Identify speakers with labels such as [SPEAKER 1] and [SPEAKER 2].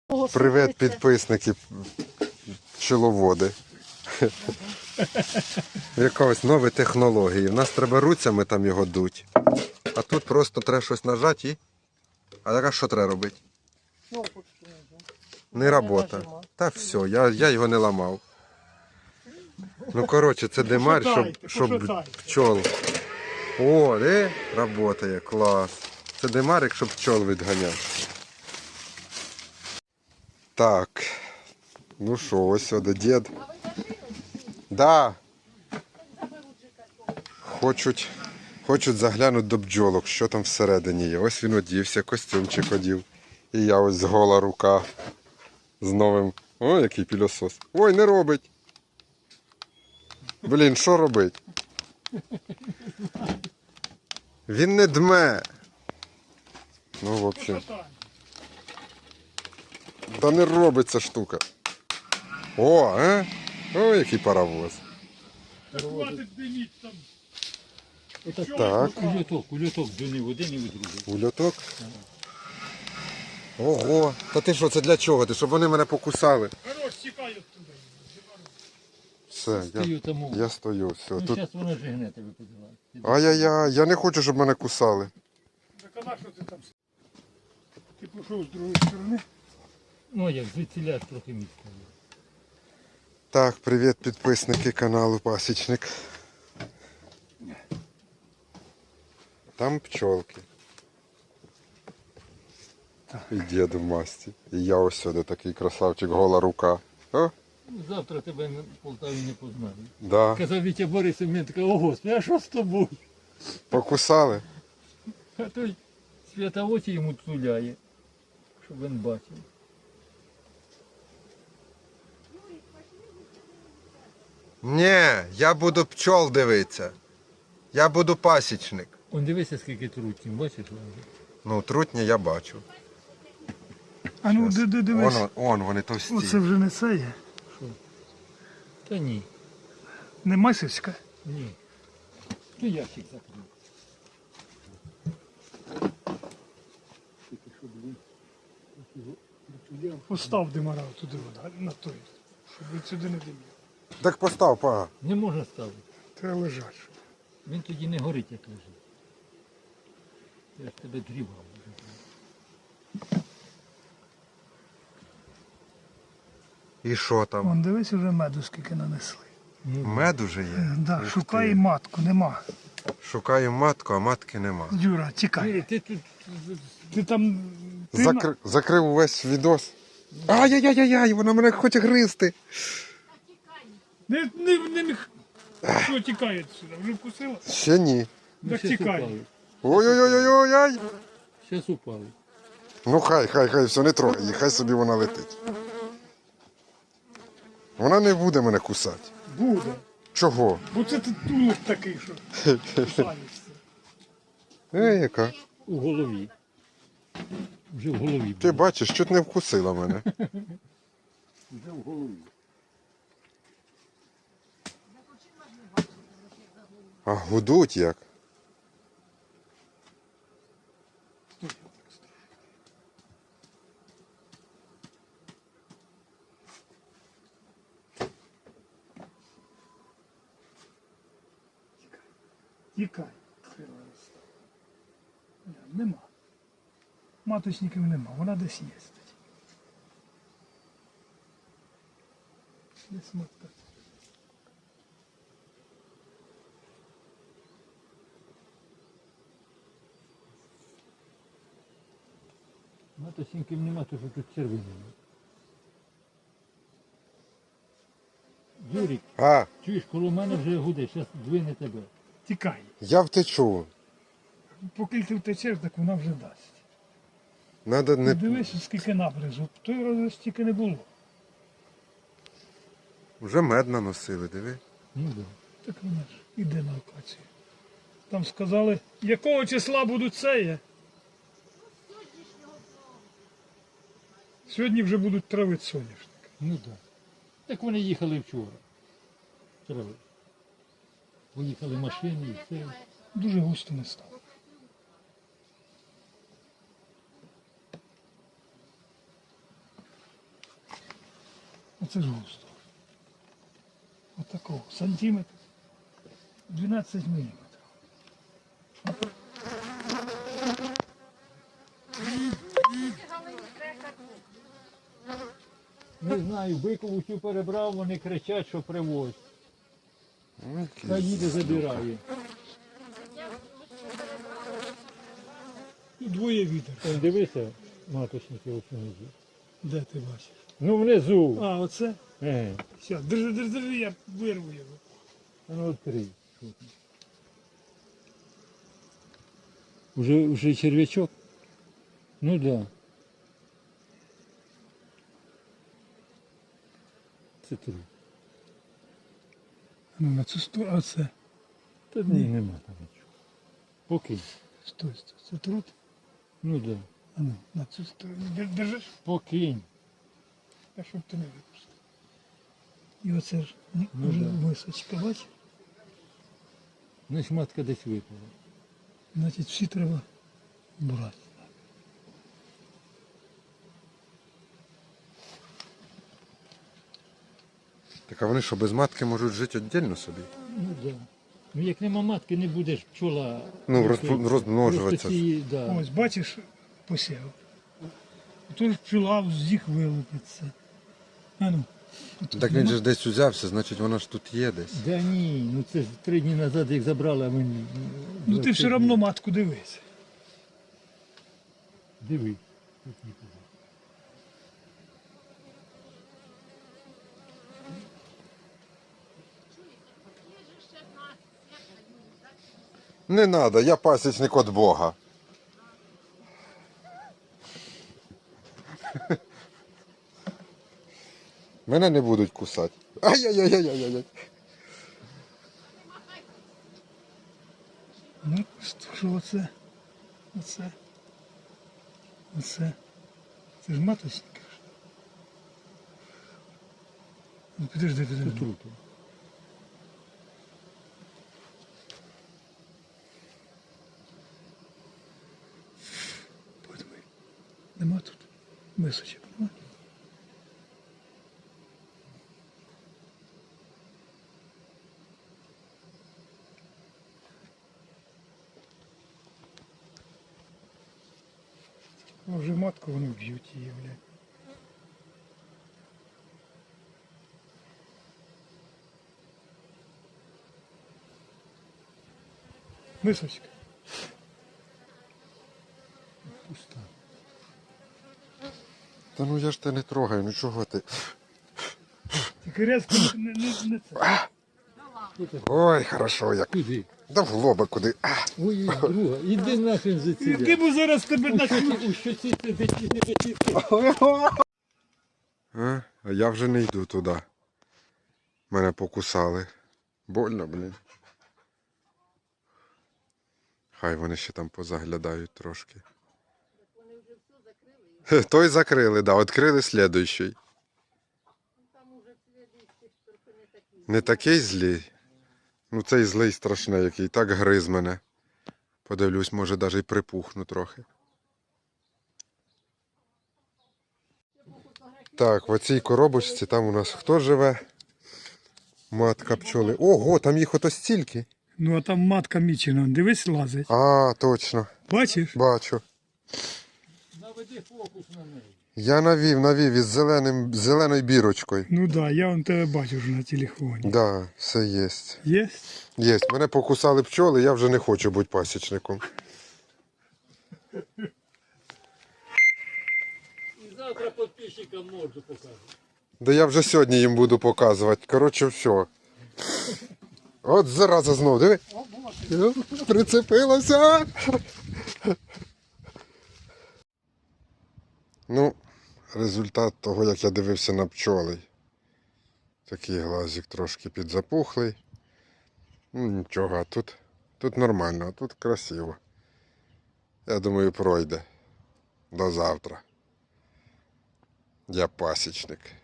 [SPEAKER 1] Привіт, підписники, пчеловоди. Якось нові технології. У нас треба руцями там його дуть. А тут просто треба щось нажати і... А зараз що треба робити? Не робота. Та все, я його не ламав. Ну коротше, це димар, щоб пчол. О, працює, клас. Це димарик, щоб пчол відганяв. Так. Ну що, ось сюди дід. Да. Хочуть заглянути до бджолок, що там всередині є. Ось він одівся, костюмчик одів. І я ось гола рука з новим. Ой, який пилосос. Ой, не робить. Блін, що робить? Він не дме. Ну, в общем. Та не робить ця штука. О, а? Ой, який паровоз. Так.
[SPEAKER 2] Ульоток дзвонив один і в другий.
[SPEAKER 1] Ульоток? Ого, та ти що, це для чого? Ти, щоб вони мене покусали?
[SPEAKER 3] Хорош, тікай оттуда.
[SPEAKER 1] Все, я стою, все.
[SPEAKER 2] Ну,
[SPEAKER 1] Тут...
[SPEAKER 2] зараз вона жигне тебе подиває.
[SPEAKER 1] Ай-яй-яй, я не хочу, щоб мене кусали.
[SPEAKER 3] Так а на що ти там? Ти пішов з другої сторони?
[SPEAKER 2] Ну, як звідсіля трохи місця є.
[SPEAKER 1] Так, привіт, підписники каналу Пасічник. Там пчолки. І дід в масті. І я ось сюди такий красавчик, гола рука. О,
[SPEAKER 2] Завтра тебе в Полтаві не познаю.
[SPEAKER 1] да.
[SPEAKER 2] Казав Вітя Борисов, мені така, о Господи, а що з тобою?
[SPEAKER 1] Покусали?
[SPEAKER 2] А той свята очі йому цуляє, щоб він бачив.
[SPEAKER 1] Ні, я буду пчол дивитися. Я буду пасічник.
[SPEAKER 2] Он дивися, скільки трутнів, бачиш?
[SPEAKER 1] Ну, трутні я бачу.
[SPEAKER 3] А ну дивись.
[SPEAKER 1] Он вони товсті.
[SPEAKER 3] Оце вже не це є.
[SPEAKER 2] Та ні,
[SPEAKER 3] Не масівська.
[SPEAKER 2] ні. Ну ящик закрив.
[SPEAKER 3] Постав димара туди на той, щоб він сюди не димів.
[SPEAKER 1] Так постав, пага.
[SPEAKER 2] Не можна ставити.
[SPEAKER 3] Треба лежати.
[SPEAKER 2] Він тоді не горить, як лежить. Я ж тебе дрібав.
[SPEAKER 1] І що там?
[SPEAKER 3] Вон дивись, вже меду скільки нанесли.
[SPEAKER 1] Мед уже є?
[SPEAKER 3] Да,
[SPEAKER 1] Ух
[SPEAKER 3] шукай
[SPEAKER 1] ти.
[SPEAKER 3] матку, нема.
[SPEAKER 1] Шукаю матку, а матки нема.
[SPEAKER 3] Юра, тікай.
[SPEAKER 2] Ти тут
[SPEAKER 3] Ти там...
[SPEAKER 1] Закрив увесь відос. Ай-яй-яй-яй, вона мене хоче гризти.
[SPEAKER 3] Не... Що тікає сюди? Вже вкусила?
[SPEAKER 1] Ще ні.
[SPEAKER 3] Так тікай.
[SPEAKER 1] Ой-ой-ой-ой-ой.
[SPEAKER 2] Зараз упали.
[SPEAKER 1] Ну хай, все, не трогай її, хай собі вона летить. Вона не буде мене кусати.
[SPEAKER 3] Буде.
[SPEAKER 1] Чого?
[SPEAKER 3] Бо це ти тулик такий, що кусаєшся.
[SPEAKER 1] Яка?
[SPEAKER 2] У голові. Вже в голові.
[SPEAKER 1] Ти бачиш, чуть не вкусила мене.
[SPEAKER 2] Вже в голові.
[SPEAKER 1] А гудуть як?
[SPEAKER 3] Тікай. Нема. Маточників нема, вона десь є. Десь матка.
[SPEAKER 2] Матосіньків нема, то що тут червоні. Юрік,
[SPEAKER 1] А,
[SPEAKER 2] чуєш, коло мене вже гуде, зараз двине тебе.
[SPEAKER 3] Тікай.
[SPEAKER 1] я втечу.
[SPEAKER 3] Поки ти втечеш, так вона вже дасть.
[SPEAKER 1] Надо не...
[SPEAKER 3] Дивись, скільки набризу. Той раз стільки не було.
[SPEAKER 1] Вже мед наносили, диви.
[SPEAKER 2] Ну да.
[SPEAKER 3] Так вона ж іде на локацію. Там сказали, якого числа будуть сеє. Сьогодні вже будуть травити соняшник.
[SPEAKER 2] Ну так. Да. Так вони їхали вчора. Трави. Поїхали машини і все.
[SPEAKER 3] Дуже густо не стало. Оце ж густо. Отакого. Сантиметр. 12 міліметрів.
[SPEAKER 2] Не знаю, бикову цю перебрав, вони кричать, що привозь.
[SPEAKER 1] Ой,
[SPEAKER 2] Та їде забирає.
[SPEAKER 3] Тут двоє вітер.
[SPEAKER 2] Он дивися, маточники ось внизу.
[SPEAKER 3] Де ти бачиш?
[SPEAKER 2] Ну внизу.
[SPEAKER 3] А, оце?
[SPEAKER 2] Еге.
[SPEAKER 3] Все, держи, я вирву його.
[SPEAKER 2] А ну відкрий. Уже черв'ячок? Ну да. Це труп.
[SPEAKER 3] Ну, на цю сторону, а це?
[SPEAKER 2] Та ні, нема там нічого. Покинь.
[SPEAKER 3] Стой. Це труд?
[SPEAKER 2] Ну да.
[SPEAKER 3] А ну, на цю сторону. Держиш?
[SPEAKER 2] Покинь.
[SPEAKER 3] А щоб ти не випустив. І оце ж
[SPEAKER 2] Ну,
[SPEAKER 3] вже
[SPEAKER 2] да.
[SPEAKER 3] височка, бач?
[SPEAKER 2] Значить матка десь випала.
[SPEAKER 3] Значить, всі треба брати.
[SPEAKER 1] Так а вони що, без матки можуть жити віддільно собі?
[SPEAKER 2] Ну да. Ну як нема матки, не будеш пчола.
[SPEAKER 1] Ну,
[SPEAKER 2] просто-
[SPEAKER 1] розмножуватися.
[SPEAKER 2] просто ці, да.
[SPEAKER 3] Ось, бачиш, посів. Тож пчела з їх вилупиться. А ну. Тут
[SPEAKER 1] Так він
[SPEAKER 3] нема?
[SPEAKER 1] же ж десь узявся, значить вона ж тут є десь.
[SPEAKER 2] Да ні, ну це ж 3 дні назад як забрали, а мені.
[SPEAKER 3] Ну ти все одно матку дивись.
[SPEAKER 2] Диви. Тут нікого.
[SPEAKER 1] Не треба, я пасічник від Бога. Мене не будуть кусати. Ай-яй-яй-яй-яй-яй.
[SPEAKER 3] Ну, що оце? Оце. Оце. Це ж маточника. Ну, підожди.
[SPEAKER 2] Тут.
[SPEAKER 3] Подивись. Нема тут мисочок, нема? А вже матку вони вб'ють її, блядь. Мисочка.
[SPEAKER 2] Пуста.
[SPEAKER 1] Та ну я ж тебе не трогаю, ну чого ти?
[SPEAKER 3] Тільки резко не це.
[SPEAKER 1] Ой, хорошо як.
[SPEAKER 2] Куди?
[SPEAKER 1] Да в лоба куди.
[SPEAKER 2] Ой, друга, іди нахрен за ці.
[SPEAKER 3] Який би зараз тебе на
[SPEAKER 2] У щоці сидить, іди до тітки.
[SPEAKER 1] А я вже не йду туди. Мене покусали. Больно, блін. Хай вони ще там позаглядають трошки. Той закрили, да, відкрили слідуючий. Не такий злий. Ну цей злий страшний, який так гриз мене. Подивлюсь, може навіть і припухну трохи. Так, в оцій коробочці там у нас хто живе? Матка пчоли. Ого, там їх ото стільки.
[SPEAKER 3] Ну а там матка мічена, дивись, лазить.
[SPEAKER 1] А, точно.
[SPEAKER 3] Бачиш?
[SPEAKER 1] Бачу.
[SPEAKER 2] Наведи фокус на неї.
[SPEAKER 1] Я навів із зеленою бірочкою.
[SPEAKER 3] Ну так, да, я вон тебе бачу вже на телефоні.
[SPEAKER 1] Да, все є.
[SPEAKER 3] Є?
[SPEAKER 1] Є. Мене покусали пчоли, я вже не хочу бути пасічником.
[SPEAKER 2] І завтра підписчикам морду покажу.
[SPEAKER 1] Да я вже сьогодні їм буду показувати. Коротше, все. От зараза знов, диви. Прицепилася. Ну, результат того, як я дивився на пчоли. Такий глазик трошки підзапухлий. Ну, нічого, а тут нормально, а тут красиво. Я думаю, пройде. До завтра. Я пасічник.